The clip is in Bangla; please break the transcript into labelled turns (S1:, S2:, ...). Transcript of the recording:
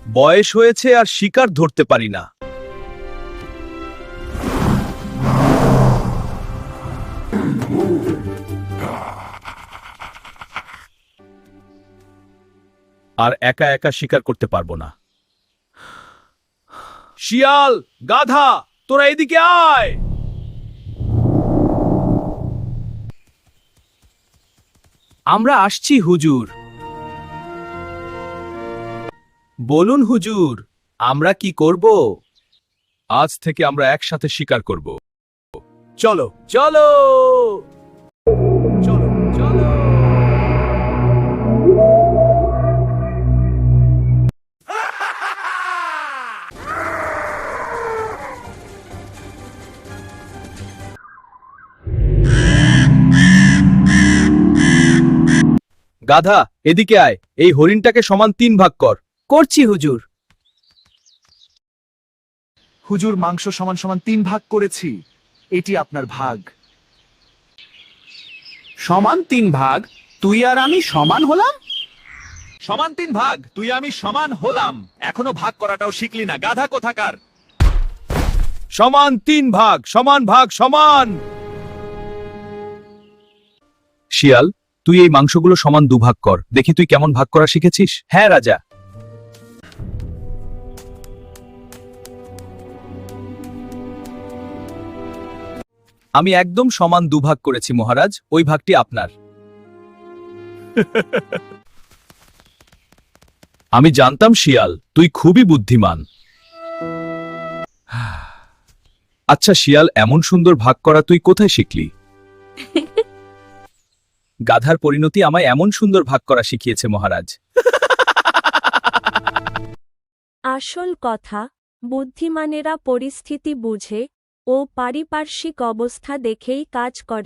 S1: বয়স হয়েছে আর শিকার ধরতে পারি না। আর একা একা শিকার করতে পারবো না। শিয়াল, গাধা, তোরা এদিকে আয়। আমরা আসছি হুজুর। বলুন হুজুর, আমরা কি করব? আজ থেকে আমরা একসাথে শিকার করব। চলো চলো চলো চলো। গাধা, এদিকে আয়। এই হরিণটাকে সমান 3 ভাগ কর। করছি হুজুর।
S2: হুজুর, মাংস সমান সমান 3 ভাগ করেছি। এটি আপনার ভাগ।
S3: সমান 3 ভাগ? তুই আর আমি সমান হলাম?
S2: সমান 3 ভাগ, তুই আমি সমান হলাম। এখনো ভাগ করাটাও শিখলি না, গাধা কোথাকার।
S1: সমান 3 ভাগ, সমান ভাগ সমান। শিয়াল, তুই এই মাংসগুলো সমান 2 ভাগ কর। দেখি তুই কেমন ভাগ করা শিখেছিস। হ্যাঁ রাজা। আমি একদম সমান 2 ভাগ করেছি মহারাজ। ওই ভাগটি আপনার। আমি জানতাম শিয়াল, তুই খুবই বুদ্ধিমান। আচ্ছা শিয়াল, এমন সুন্দর ভাগ করা তুই কোথায় শিখলি? গাধার পরিণতি আমায় এমন সুন্দর ভাগ করা শিখিয়েছে মহারাজ।
S4: আসল কথা, বুদ্ধিমানেরা পরিস্থিতি বুঝে ও পারিপার্শ্বিক অবস্থা দেখেই কাজ করে।